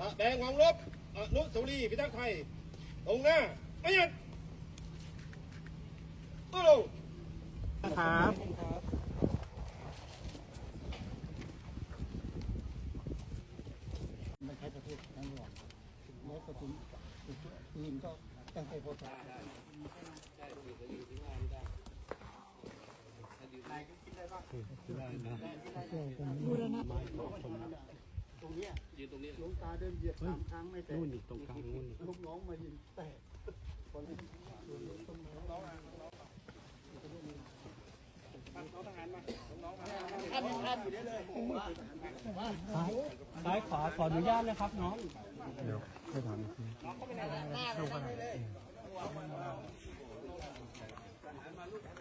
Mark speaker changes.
Speaker 1: แดงวังลบอนุสาวรีย์พิทักษ์ไทยตรงหน้าไม่หยุดตู้ลง
Speaker 2: ครับ
Speaker 3: ไม่ใช่ประเทศทั้งหมดแล้วก็ถึงปืนก็ตั้งใจพอใจบูรณะตรงนี้หลวงตาเดินเหยียบ3 ครั้งไม่แตกนู่นนี่ตรงกลางนู่นลูกน้องมายิงแตกคนนี้น้องทหารมาน้องท่านอยู่ได้เลย
Speaker 2: ซ้ายขวาขออนุญาตเลยครับน้อง
Speaker 3: เดี๋ยวให้ถาม
Speaker 1: หน้าลงไปเลย